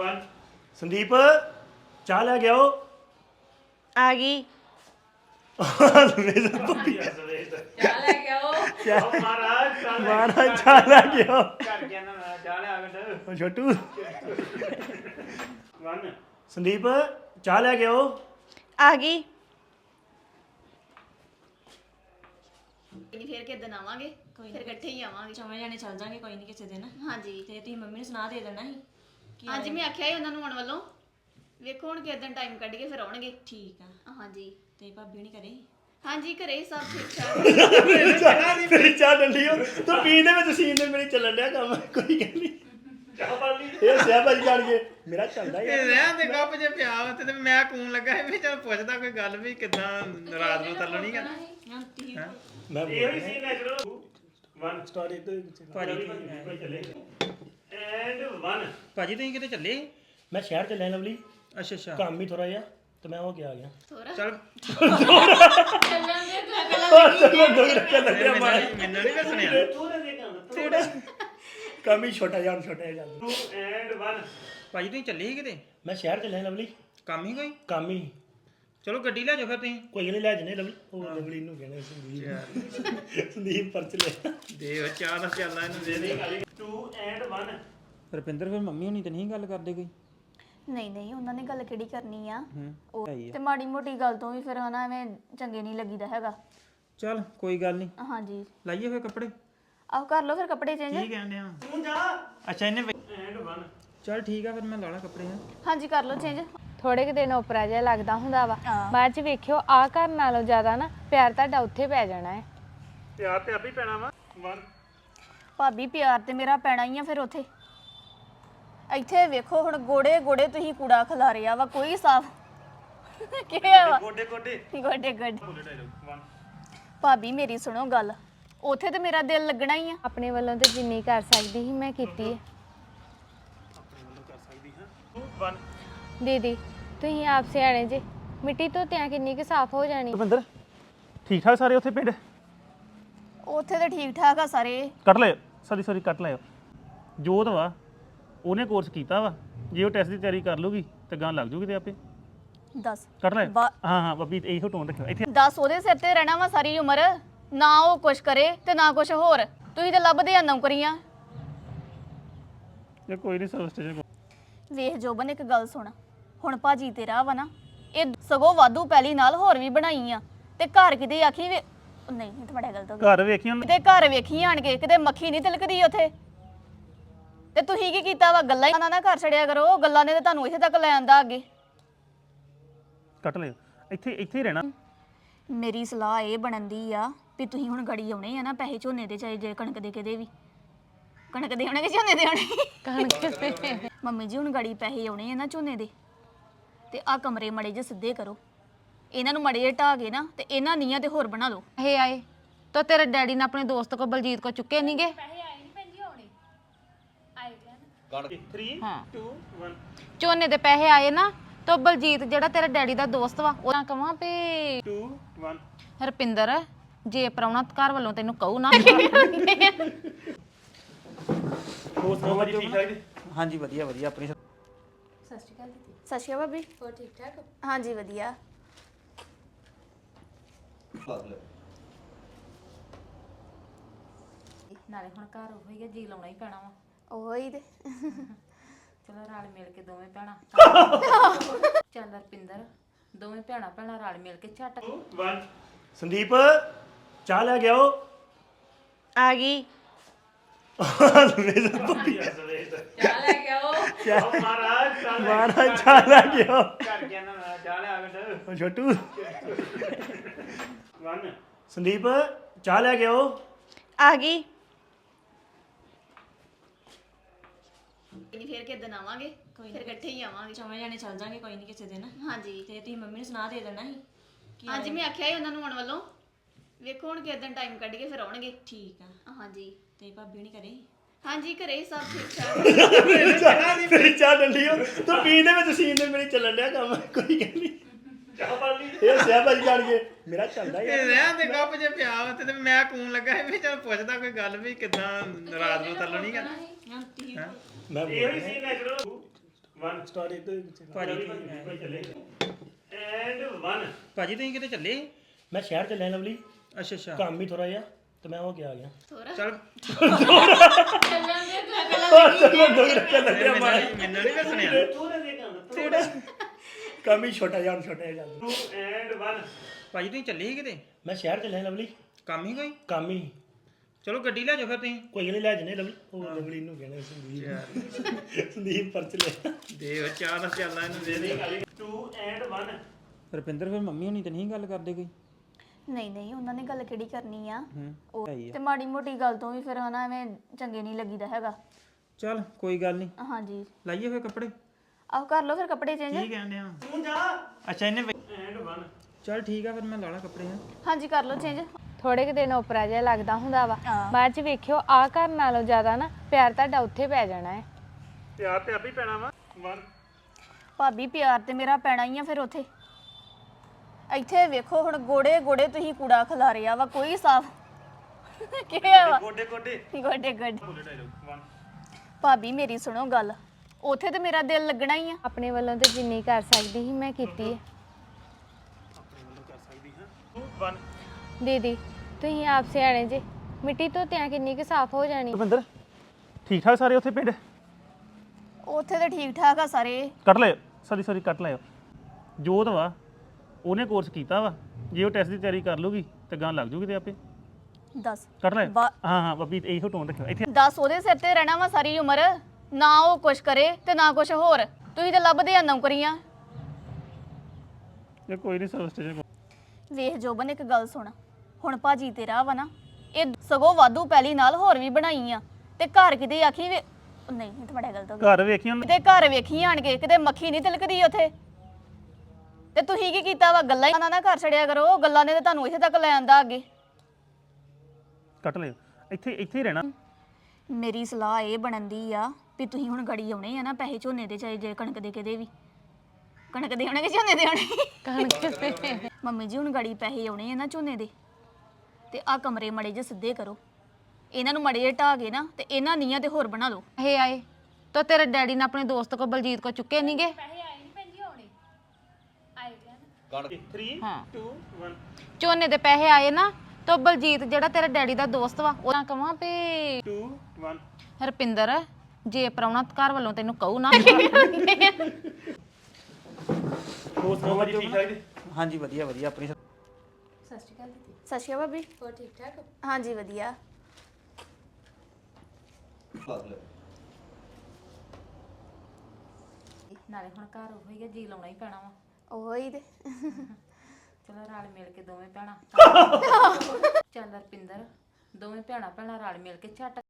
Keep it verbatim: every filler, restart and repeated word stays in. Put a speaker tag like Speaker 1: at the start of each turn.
Speaker 1: one Sandeep चाह ले गया हो
Speaker 2: आ गई
Speaker 1: महाराज चाह ले गया हो छोटू वन संदीप चाह ले गया हो
Speaker 2: आ गई
Speaker 3: ਨਹੀਂ ਫੇਰ ਕਿਦਾਂ ਆਵਾਂਗੇ ਫਿਰ ਇਕੱਠੇ ਹੀ ਆਵਾਂਗੇ
Speaker 4: ਚੌਵੇਂ ਜਾਣੇ ਚੱਲ ਜਾਾਂਗੇ ਕੋਈ ਨਹੀਂ ਕਿਸੇ ਦਿਨ
Speaker 3: ਹਾਂਜੀ
Speaker 4: ਤੇ ਤੁਸੀਂ ਮੰਮੀ ਨੂੰ ਸੁਣਾ ਦੇ ਦੇਣਾ ਸੀ ਕਿ
Speaker 3: ਹਾਂਜੀ ਮੈਂ ਆਖਿਆ ਸੀ ਉਹਨਾਂ ਨੂੰ ਆਉਣ ਵੱਲੋਂ ਵੇਖੋ ਹੁਣ ਕਿਦਾਂ ਟਾਈਮ ਕੱਢ ਕੇ ਫਿਰ ਆਉਣਗੇ
Speaker 4: ਠੀਕ ਆ
Speaker 3: ਹਾਂਜੀ
Speaker 4: ਤੇ ਭਾਬੀ ਨਹੀਂ ਕਰੇ
Speaker 3: ਹਾਂਜੀ ਘਰੇ ਹੀ ਸਭ ਠੀਕ ਠਾਕ
Speaker 1: ਤੇਰੀ ਚਾਹ ਡੰਡੀ ਹੋ ਤੂੰ ਪੀਣ ਦੇ ਵਿੱਚ ਸੀਨ ਦੇ ਮੇਰੇ ਚੱਲਣ ਡਿਆ ਕੰਮ ਕੋਈ ਗੱਲ ਨਹੀਂ ਚਾਹ ਪਾ ਲਈ ਇਹ ਸਿਆ ਭਾਜੀ ਜਾਣ ਕੇ ਮੇਰਾ ਚੱਲਦਾ ਯਾਰ
Speaker 5: ਰਹਿਣ ਦੇ ਗੱਪ ਜੇ ਪਿਆ ਵਾ ਤੇ ਮੈਂ ਕੂਨ ਲੱਗਾ ਸੀ ਵੀ ਚਲ ਪੁੱਛਦਾ ਕੋਈ ਗੱਲ ਵੀ ਕਿਦਾਂ ਰਾਤ ਨੂੰ ਤੱਲੋ ਨਹੀਂ ਕਰਨਾ
Speaker 1: ਮੈਂ ਇਹੋ ਹੀ ਸੀਨ ਹੈ ਚਲੋ वन स्टार्ट इधर
Speaker 5: ਭਾਜੀ
Speaker 1: एंड वन
Speaker 5: ਭਾਜੀ ਤੁਸੀਂ ਕਿਤੇ ਚੱਲੇ
Speaker 1: मैं शहर चले लवली
Speaker 5: ਅੱਛਾ ਅੱਛਾ
Speaker 1: काम भी थोड़ा जिहा तो मैं हो के आ गया
Speaker 3: ਥੋੜਾ
Speaker 5: ਚਲ
Speaker 1: चलो दो रखे लगे हमारे
Speaker 5: ਮੈਨੂੰ ਨਹੀਂ ਸੁਣਿਆ
Speaker 1: थोड़ा दे काम थोड़ा काम ही छोटा यार छोटा है टू एंड वन
Speaker 5: ਭਾਜੀ ਤੁਸੀਂ ਚੱਲੇ ਸੀ ਕਿਤੇ
Speaker 1: मैं शहर चले लवली
Speaker 5: ਕੰਮ ਹੀ ਕੋਈ
Speaker 1: काम ही
Speaker 5: ਚਲੋ ਗੱਡੀ ਲੈ ਜਾਓ ਫਿਰ ਤੁਸੀਂ
Speaker 1: कोई नहीं ले जने लवली ओ लवली नु कहने संदीप संदीप पर चले
Speaker 5: ਦੇ ਉਹ ਚਾਹ ਦਾ ਚੱਲਦਾ ਇਹਨੂੰ ਦੇ ਦੇ
Speaker 1: टू एंड वन
Speaker 5: ਰੁਪਿੰਦਰ ਫਿਰ ਮੰਮੀ ਹੁਣੀ ਤੇ ਨਹੀਂ ਗੱਲ ਕਰਦੇ ਕੋਈ
Speaker 3: ਨਹੀਂ ਨਹੀਂ ਉਹਨਾਂ ਨੇ ਗੱਲ ਕਿਹੜੀ ਕਰਨੀ ਆ
Speaker 5: ਹੂੰ
Speaker 3: ਉਹ ਤੇ ਮਾੜੀ ਮੋਟੀ ਗੱਲ ਤੋਂ ਵੀ ਫਿਰ ਹਨਾ ਐਵੇਂ ਚੰਗੇ ਨਹੀਂ ਲੱਗੀਦਾ ਹੈਗਾ
Speaker 5: ਚਲ ਕੋਈ ਗੱਲ ਨਹੀਂ
Speaker 3: ਹਾਂਜੀ
Speaker 5: ਲਾਈਏ ਫਿਰ ਕੱਪੜੇ
Speaker 3: ਆਹ ਕਰ ਲਓ ਫਿਰ ਕੱਪੜੇ ਚੇਂਜ
Speaker 5: ਕੀ ਕਹਿੰਦੇ ਆ
Speaker 1: तू जा
Speaker 5: ਅੱਛਾ ਇਹਨੇ
Speaker 1: एंड वन
Speaker 5: ਚਲ ਠੀਕ ਆ ਫਿਰ ਮੈਂ ਲਾ ਲਾ ਕੱਪੜੇ ਆ
Speaker 3: ਹਾਂਜੀ ਕਰ ਲਓ ਚੇਂਜ
Speaker 2: ਥੋੜੇ ਕਿ ਦਿਨ ਉਪਰਾ ਜਿਹਾ ਲੱਗਦਾ ਹੁੰਦਾ ਵਾ ਬਾਅਦ ਚ ਵੇਖਿਓ ਆ ਘਰ ਨਾਲੋਂ ਜ਼ਿਆਦਾ ਨਾ ਪਿਆਰ ਤੁਹਾਡਾ ਉੱਥੇ ਪੈ ਜਾਣਾ ਹੈ
Speaker 1: प्यार ते अभी पैना वा वन
Speaker 3: ਭਾਬੀ ਪਿਆਰ ਤੇ ਮੇਰਾ ਪੈਣਾ ਹੀ ਆ ਫਿਰ ਉੱਥੇ ਇੱਥੇ ਵੇਖੋ ਹੁਣ ਗੋੜੇ ਗੋੜੇ ਤੁਸੀਂ ਕੂੜਾ ਖਿਲਾਰਿਆ ਵਾ ਕੋਈ ਸਾਫ ਕਿਹਾ ਵਾ
Speaker 1: गोडे गोडे
Speaker 3: ਗੋਡੇ ਗੋਡੇ
Speaker 1: बोले डायलॉग वन
Speaker 3: ਭਾਬੀ ਮੇਰੀ ਸੁਣੋ ਗੱਲ ਉੱਥੇ ਤੇ ਮੇਰਾ ਦਿਲ ਲੱਗਣਾ ਹੀ ਆ
Speaker 2: ਆਪਣੇ ਵੱਲੋਂ ਤੇ ਜਿੰਨੀ ਕਰ ਸਕਦੀ ਸੀ ਮੈਂ ਕੀਤੀ ਹੈ
Speaker 1: टू वन
Speaker 2: ਦੀਦੀ ਤੁਸੀਂ ਆਪ ਸਿਆਣੇ ਜੇ ਮਿੱਟੀ ਤੋਂ ਤਿਆਂ ਕਿੰਨੀ ਕਿ ਸਾਫ਼ ਹੋ ਜਾਣੀ
Speaker 1: ਰੁਪਿੰਦਰ ਠੀਕ ਠਾਕ ਸਾਰੇ ਉੱਥੇ ਪਿੰਡ
Speaker 3: ਉੱਥੇ ਤੇ ਠੀਕ ਠਾਕ ਆ ਸਾਰੇ
Speaker 1: ਕੱਟ ਲੈ ਸੌਰੀ ਸੌਰੀ ਕੱਟ ਲਿਓ ਜੋਤ ਵਾ ਉਹਨੇ ਕੋਰਸ ਕੀਤਾ ਵਾ ਜੇ ਉਹ ਟੈਸਟ ਦੀ ਤਿਆਰੀ ਕਰ ਲੂਗੀ ਤੇ ਗਾਂ ਲੱਗ ਜੂਗੀ ਤੇ ਆਪੇ
Speaker 3: ਦੱਸ
Speaker 1: ਕੱਟ ਲੈ
Speaker 3: ਬਾ-
Speaker 1: ਹਾਂ ਹਾਂ ਬੱਬੀ ਇਹੋ ਟੋਨ ਰੱਖਿਓ ਇੱਥੇ
Speaker 3: ਦੱਸ ਉਹਦੇ ਸਿਰ ਤੇ ਰਹਿਣਾ ਵਾ ਸਾਰੀ ਉਮਰ ਨਾ ਉਹ ਕੁਛ ਕਰੇ ਤੇ ਨਾ ਕੁਛ ਹੋਰ ਤੁਸੀਂ ਤੇ ਲੱਭਦੇ ਆ ਨੌਕਰੀਆਂ
Speaker 1: ਇਹ ਕੋਈ ਨਹੀਂ ਸਭ ਸਟੇਜ
Speaker 3: ਵੇਖ ਜੋਬਨ ਇੱਕ ਗੱਲ ਸੁਣ ਹੁਣ ਭਾਜੀ ਤੇਰਾ ਵਾ ਨਾ ਇਹ ਸਗੋਂ ਵਾਧੂ ਪਹਿਲੀ ਨਾਲ ਹੋਰ ਵੀ ਬਣਾਈ ਆ ਤੇ ਘਰ ਕਿਤੇ ਆਖੀ ਵੇ ਉਹ ਨਹੀਂ ਇਹ ਤਾਂ ਬੜਾ ਗਲਤ ਹੋ ਗਿਆ
Speaker 1: ਘਰ ਵੇਖੀ ਹੁਣ
Speaker 3: ਕਿਤੇ ਘਰ ਵੇਖੀ ਆਣ ਕੇ ਕਿਤੇ ਮੱਖੀ ਨਹੀਂ ਤਿਲਕਦੀ ਉੱਥੇ ਤੇ ਤੁਸੀਂ ਕੀ ਕੀਤਾ ਵਾ ਗੱਲਾਂ ਹੀ ਨਾ ਨਾ ਘਰ ਛੜਿਆ ਕਰੋ ਉਹ ਗੱਲਾਂ ਨੇ ਤਾਂ ਤੁਹਾਨੂੰ ਇੱਥੇ ਤੱਕ ਲੈ ਆਂਦਾ ਅੱਗੇ
Speaker 1: ਕੱਟ ਲਿਓ ਇੱਥੇ ਇੱਥੇ ਹੀ ਰਹਿਣਾ
Speaker 3: ਮੇਰੀ ਸਲਾਹ ਇਹ ਬਣਦੀ ਆ ਵੀ ਤੁਸੀਂ ਹੁਣ ਗੜੀ ਆਉਣੇ ਆ ਨਾ ਪੈਸੇ ਝੋਨੇ ਦੇ ਚਾਹੇ ਜੇ ਕਣਕ ਦੇ ਕਿਤੇ ਵੀ ਕਣਕ ਦੇ ਆਉਣੇ ਕਿ ਝੋਨੇ ਦੇ ਆਉਣੇ
Speaker 2: ਕਣਕ ਤੇ
Speaker 3: ਮੰਮੀ ਜੀ ਹੁਣ ਗੜੀ ਪੈਸੇ ਆਉਣੇ ਆ ਨਾ ਝੋਨੇ ਦੇ ਤੇ ਆ ਕਮਰੇ ਮੜੇ ਜੇ ਸਿੱਧੇ ਕਰੋ ਇਹਨਾਂ ਨੂੰ ਮੜੇ ਜੇ ਢਾ ਕੇ ਨਾ ਤੇ ਇਹਨਾਂ ਨੀਆਂ ਤੇ ਹੋਰ ਬਣਾ ਲਓ
Speaker 2: ਇਹ ਆਏ ਤਾਂ ਤੇਰੇ ਡੈਡੀ ਨੇ ਆਪਣੇ ਦੋਸਤ ਕੋ ਬਲਜੀਤ ਕੋ ਚੁੱਕੇ ਨਹੀਂਗੇ
Speaker 1: तीन
Speaker 2: ਹਾਂ
Speaker 1: टू वन
Speaker 2: ਝੋਨੇ ਦੇ ਪੈਸੇ ਆਏ ਨਾ ਤਾਂ ਬਲਜੀਤ ਜਿਹੜਾ ਤੇਰੇ ਡੈਡੀ ਦਾ ਦੋਸਤ ਵਾ ਉਹਨਾਂ ਕਹਾਂ ਵੀ
Speaker 1: टू वन
Speaker 2: ਹਰਪਿੰਦਰ ਜੇ ਪ੍ਰਾਹੁਣਾ ਘਰ ਵੱਲੋਂ ਤੈਨੂੰ ਕਹੂ ਨਾ
Speaker 1: ਹੋਰ ਸੁਣਾਓ ਜੀ ਠੀਕ ਠਾਕ ਜੀ
Speaker 5: ਹਾਂਜੀ ਵਧੀਆ ਵਧੀਆ ਆਪਣੀ
Speaker 3: ਸਤਿ ਸ਼੍ਰੀ ਅਕਾਲ ਭਾਬੀ ਹੋਰ ਠੀਕ ਠਾਕ ਹਾਂਜੀ ਵਧੀਆ
Speaker 4: ਨਾਲੇ ਹੁਣ ਘਰ ਉਹ ਹੀ ਆ ਜੀ ਲਾਉਣਾ ਹੀ ਪੈਣਾ ਵਾ
Speaker 3: ਉਹੀ ਤੇ
Speaker 4: ਚਲੋ ਰਲ ਮਿਲ ਕੇ ਦੋਵੇਂ ਭੈਣਾਂ ਚੱਲ ਰਪਿੰਦਰ ਦੋਵੇਂ ਭੈਣਾਂ ਭੈਣਾਂ ਰਲ ਮਿਲ ਕੇ ਛੱਟ
Speaker 1: वन संदीप चाह ले गया हो
Speaker 2: ਆ ਗਈ
Speaker 1: महाराज महाराज चाह ले गया हो छोटू वन संदीप चाह ले गया हो
Speaker 2: ਆ ਗਈ
Speaker 3: ਨਹੀਂ ਫੇਰ ਕਿਦਾਂ ਆਵਾਂਗੇ ਫਿਰ ਇਕੱਠੇ ਹੀ ਆਵਾਂਗੇ
Speaker 4: ਚੌਵੇਂ ਜਾਣੇ ਚੱਲ ਜਾਾਂਗੇ ਕੋਈ ਨਹੀਂ ਕਿਸੇ ਦਿਨ
Speaker 3: ਹਾਂਜੀ
Speaker 4: ਤੇ ਤੁਸੀਂ ਮੰਮੀ ਨੂੰ ਸੁਣਾ ਦੇ ਦੇਣਾ ਸੀ ਕਿ
Speaker 3: ਹਾਂਜੀ ਮੈਂ ਆਖਿਆ ਸੀ ਉਹਨਾਂ ਨੂੰ ਆਉਣ ਵੱਲੋਂ ਵੇਖੋ ਹੁਣ ਕਿਦਾਂ ਟਾਈਮ ਕੱਢ ਕੇ ਫਿਰ ਆਉਣਗੇ
Speaker 4: ਠੀਕ ਆ
Speaker 3: ਹਾਂਜੀ
Speaker 4: ਤੇ ਭਾਬੀ ਨਹੀਂ ਕਰੇ
Speaker 3: ਹਾਂਜੀ ਘਰੇ ਹੀ ਸਭ ਠੀਕ ਠਾਕ
Speaker 1: ਤੇਰੀ ਚਾਹ ਡੰਡੀ ਹੋ ਤੂੰ ਪੀਣ ਦੇ ਵਿੱਚ ਸੀਨ ਦੇ ਮੇਰੇ ਚੱਲਣ ਡਿਆ ਕੰਮ ਕੋਈ ਗੱਲ ਨਹੀਂ ਚਾਹ ਪਾ ਲਈ ਇਹ ਸਿਆ ਭਾਜੀ ਜਾਣ ਕੇ ਮੇਰਾ ਚੱਲਦਾ ਯਾਰ
Speaker 5: ਰਹਿਣ ਦੇ ਗੱਪ ਜੇ ਪਿਆ ਵਾ ਤੇ ਮੈਂ ਕੂਨ ਲੱਗਾ ਸੀ ਵੀ ਚਲ ਪੁੱਛਦਾ ਕੋਈ ਗੱਲ ਵੀ ਕਿਦਾਂ ਰਾਤ ਨੂੰ ਤੱਲੋ ਨਹੀਂ ਕਰਨਾ
Speaker 1: ਮੈਂ ਇਹੋ ਹੀ ਸੀਨ ਹੈ ਚਲੋ वन स्टार्ट एक तो
Speaker 5: ਭਾਜੀ
Speaker 1: एंड वन
Speaker 5: ਭਾਜੀ ਤੁਸੀਂ ਕਿਤੇ ਚੱਲੇ
Speaker 1: मैं शहर चलिया लवली
Speaker 5: ਅੱਛਾ ਅੱਛਾ
Speaker 1: काम भी थोड़ा जिहा तो मैं हो के आ गया
Speaker 5: ਚਲ
Speaker 1: चलो
Speaker 5: ਮੈਨੂੰ ਨਹੀਂ ਸੁਣਿਆ
Speaker 1: काम ही छोटा यार छोटा है एंड वन
Speaker 5: ਭਾਜੀ ਤੁਸੀਂ ਚੱਲੇ ਸੀ ਕਿਤੇ
Speaker 1: मैं शहर चलिया लवली
Speaker 5: ਕੰਮ ਹੀ ਕੋਈ
Speaker 1: काम ही
Speaker 5: ਚਲੋ ਗੱਡੀ ਲੈ ਜਾਓ ਫਿਰ ਤੁਸੀਂ
Speaker 1: ਕੋਈ ਨਹੀਂ ਲੈ ਜਨੇ ਲਵਲੀ ਉਹ ਲਵਲੀ ਨੂੰ ਕਹਿਣਾ ਸੰਦੀਪ ਸੰਦੀਪ ਪਰਚ ਲੈ
Speaker 5: ਦੇ ਉਹ ਚਾਹ ਦਾ ਚੱਲਣਾ ਇਹਨੂੰ ਦੇ ਦੇ
Speaker 1: ਟੂ ਐਂਡ वन
Speaker 5: ਰੁਪਿੰਦਰ ਫਿਰ ਮੰਮੀ ਹੋਣੀ ਤੇ ਨਹੀਂ ਗੱਲ ਕਰਦੇ ਕੋਈ
Speaker 3: ਨਹੀਂ ਨਹੀਂ ਉਹਨਾਂ ਨੇ ਗੱਲ ਕਿਹੜੀ ਕਰਨੀ ਆ
Speaker 5: ਹੂੰ
Speaker 3: ਉਹ ਤੇ ਮਾੜੀ ਮੋਟੀ ਗੱਲ ਤੋਂ ਵੀ ਫਿਰ ਹਨਾ ਐਵੇਂ ਚੰਗੇ ਨਹੀਂ ਲੱਗੀਦਾ ਹੈਗਾ
Speaker 5: ਚਲ ਕੋਈ ਗੱਲ ਨਹੀਂ
Speaker 3: ਹਾਂਜੀ
Speaker 5: ਲਾਈਏ ਫਿਰ ਕੱਪੜੇ
Speaker 3: ਆਹ ਕਰ ਲਓ ਫਿਰ ਕੱਪੜੇ ਚੇਂਜ
Speaker 5: ਕੀ ਕਹਿੰਦੇ ਆ
Speaker 1: ਤੂੰ ਜਾ
Speaker 5: ਅੱਛਾ ਇਹਨੇ
Speaker 1: ਐਂਡ वन
Speaker 5: ਚਲ ਠੀਕ ਆ ਫਿਰ ਮੈਂ ਲਾ ਲਾ ਕੱਪੜੇ ਆ
Speaker 3: ਹਾਂਜੀ ਕਰ ਲਓ ਚੇਂਜ
Speaker 2: ਥੋੜੇ ਕੁ ਦਿਨ ਉਪਰਾ ਜਿਹਾ ਲੱਗਦਾ ਹੁੰਦਾ ਵਾ ਬਾਅਦ ਚ ਵੇਖਿਓ ਆ ਘਰ ਨਾਲੋਂ ਜ਼ਿਆਦਾ ਨਾ ਪਿਆਰ ਤੁਹਾਡਾ ਉੱਥੇ ਪੈ ਜਾਣਾ ਹੈ
Speaker 1: ਪਿਆਰ ਤੇ ਆਪੇ ਪੈਣਾ ਵਾ वन
Speaker 3: ਭਾਬੀ ਪਿਆਰ ਤੇ ਮੇਰਾ ਪੈਣਾ ਹੀ ਆ ਫਿਰ ਉੱਥੇ ਇੱਥੇ ਵੇਖੋ ਹੁਣ ਗੋੜੇ ਗੋੜੇ ਤੁਸੀਂ ਕੂੜਾ ਖਿਲਾਰਿਆ ਵਾ ਕੋਈ ਸਾਫ ਕੀ ਵਾ
Speaker 1: ਗੋਡੇ ਗੋਡੇ
Speaker 3: ਗੋਡੇ ਗੋਡੇ ਭਾਬੀ ਮੇਰੀ ਸੁਣੋ ਗੱਲ ਉੱਥੇ ਤੇ ਮੇਰਾ ਦਿਲ ਲੱਗਣਾ ਹੀ ਆ
Speaker 2: ਆਪਣੇ ਵੱਲੋਂ ਤੇ ਜਿੰਨੀ ਕਰ ਸਕਦੀ ਸੀ ਮੈਂ ਕੀਤੀ ਹੈ
Speaker 1: वन
Speaker 2: ਦੀਦੀ ਤੁਸੀਂ ਆਪ ਸਿਆਣੇ ਜੇ ਮਿੱਟੀ ਧੋਤਿਆਂ ਕਿੰਨੀ ਕੁ ਸਾਫ਼ ਹੋ ਜਾਣੀ
Speaker 1: ਰਵਿੰਦਰ ਠੀਕ ਠਾਕ ਸਾਰੇ ਉੱਥੇ ਪਿੰਡ
Speaker 3: ਉੱਥੇ ਤੇ ਠੀਕ ਠਾਕ ਆ ਸਾਰੇ
Speaker 1: ਕੱਟ ਲਿਓ ਸੌਰੀ ਸੌਰੀ ਕੱਟ ਲਿਓ ਜੋਤ ਵਾ ਉਹਨੇ ਕੋਰਸ ਕੀਤਾ ਵਾ ਜੇ ਉਹ ਟੈਸਟ ਦੀ ਤਿਆਰੀ ਕਰ ਲੂਗੀ ਤੇ ਗਾਂ ਲੱਗ ਜੂਗੀ ਤੇ ਆਪੇ
Speaker 3: ਦੱਸ
Speaker 1: ਕੱਟ ਲਿਓ
Speaker 3: ਬਾ-
Speaker 1: ਹਾਂ ਹਾਂ ਬੱਬੀ ਇਹੋ ਟੋਨ ਰੱਖਿਓ ਇੱਥੇ
Speaker 3: ਦੱਸ ਉਹਦੇ ਸਿਰ ਤੇ ਰਹਿਣਾ ਵਾ ਸਾਰੀ ਉਮਰ ਨਾ ਉਹ ਕੁਛ ਕਰੇ ਤੇ ਨਾ ਕੁਛ ਹੋਰ ਤੁਸੀਂ ਤੇ ਲੱਭਦੇ ਆ ਨੌਕਰੀਆਂ
Speaker 1: ਇਹ ਕੋਈ ਨਹੀਂ ਸਰ ਸਟੇਜ
Speaker 3: ਵੇਖ ਜੋਬਨ ਇੱਕ ਗੱਲ ਸੁਣ ਹੁਣ ਭਾਜੀ ਤੇਰਾ ਵਾ ਨਾ ਇਹ ਸਗੋਂ ਵਾਧੂ ਪਹਿਲੀ ਨਾਲ ਹੋਰ ਵੀ ਬਣਾਈ ਆ ਤੇ ਘਰ ਕਿਤੇ ਆਖੀ ਵੇ ਉਹ ਨਹੀਂ ਇਹ ਤਾਂ ਬੜਾ ਗਲਤ ਹੋ ਗਿਆ
Speaker 1: ਘਰ ਵੇਖੀ ਹੁਣ
Speaker 3: ਕਿਤੇ ਘਰ ਵੇਖੀ ਆਣ ਕੇ ਕਿਤੇ ਮੱਖੀ ਨਹੀਂ ਤਿਲਕਦੀ ਉੱਥੇ ਤੇ ਤੁਸੀਂ ਕੀ ਕੀਤਾ ਵਾ ਗੱਲਾਂ ਹੀ ਨਾ ਨਾ ਘਰ ਛੜਿਆ ਕਰੋ ਉਹ ਗੱਲਾਂ ਨੇ ਤਾਂ ਤੁਹਾਨੂੰ ਇੱਥੇ ਤੱਕ ਲੈ ਆਂਦਾ ਅੱਗੇ
Speaker 1: ਕੱਟ ਲਿਓ ਇੱਥੇ ਇੱਥੇ ਹੀ ਰਹਿਣਾ
Speaker 3: ਮੇਰੀ ਸਲਾਹ ਇਹ ਬਣਦੀ ਆ ਵੀ ਤੁਸੀਂ ਹੁਣ ਗੜੀ ਆਉਣੇ ਆ ਨਾ ਪੈਸੇ ਝੋਨੇ ਦੇ ਚਾਹੇ ਜੇ ਕਣਕ ਦੇ ਕਿਤੇ ਵੀ ਕਣਕ ਦੇ ਆਉਣੇ ਕਿ ਝੋਨੇ ਦੇ ਆਉਣੇ
Speaker 2: ਕਣਕ ਤੇ
Speaker 3: ਮੰਮੀ ਜੀ ਹੁਣ ਗੜੀ ਪੈਸੇ ਆਉਣੇ ਆ ਨਾ ਝੋਨੇ ਦੇ ਤੇ ਆ ਕਮਰੇ ਮੜੇ ਜੇ ਸਿੱਧੇ ਕਰੋ ਇਹਨਾਂ ਨੂੰ ਮੜੇ ਜੇ ਢਾ ਕੇ ਨਾ ਤੇ ਇਹਨਾਂ ਨੀਆਂ ਤੇ ਹੋਰ ਬਣਾ ਲਓ
Speaker 4: ਇਹ ਆਏ ਤਾਂ ਤੇਰੇ ਡੈਡੀ ਨੇ ਆਪਣੇ ਦੋਸਤ ਕੋ ਬਲਜੀਤ ਕੋ ਚੁੱਕੇ ਨਹੀਂਗੇ
Speaker 1: तीन
Speaker 4: ਹਾਂ
Speaker 1: टू वन
Speaker 4: ਝੋਨੇ ਦੇ ਪੈਸੇ ਆਏ ਨਾ ਤਾਂ ਬਲਜੀਤ ਜਿਹੜਾ ਤੇਰੇ ਡੈਡੀ ਦਾ ਦੋਸਤ ਵਾ ਉਹਨਾਂ ਕਹਾਂ ਵੀ
Speaker 1: टू वन
Speaker 4: ਹਰਪਿੰਦਰ ਜੇ ਪ੍ਰਾਹੁਣਾ ਘਰ ਵੱਲੋਂ ਤੈਨੂੰ ਕਹੂ ਨਾ
Speaker 1: दोस्त मोहम्मद जी ठीक ठाक जी
Speaker 5: ਹਾਂਜੀ ਵਧੀਆ ਵਧੀਆ ਆਪਣੀ
Speaker 3: ਸਤਿ ਸ਼੍ਰੀ ਅਕਾਲ ਭਾਬੀ ਹੋਰ ਠੀਕ ਠਾਕ ਹਾਂਜੀ ਵਧੀਆ
Speaker 4: ਨਾਲੇ ਹੁਣ ਘਰ ਉਹ ਹੀ ਆ, ਜੀ ਲਾਉਣਾ ਹੀ ਪੈਣਾ ਵਾ
Speaker 3: ਉਹ ਹੀ ਤੇ
Speaker 4: ਚਲੋ ਰਲ ਮਿਲ ਕੇ ਦੋਵੇਂ ਭੈਣਾਂ ਚੱਲ ਰਪਿੰਦਰ ਦੋਵੇਂ ਭੈਣਾਂ ਭੈਣਾਂ ਰਲ ਮਿਲ ਕੇ ਝੱਟ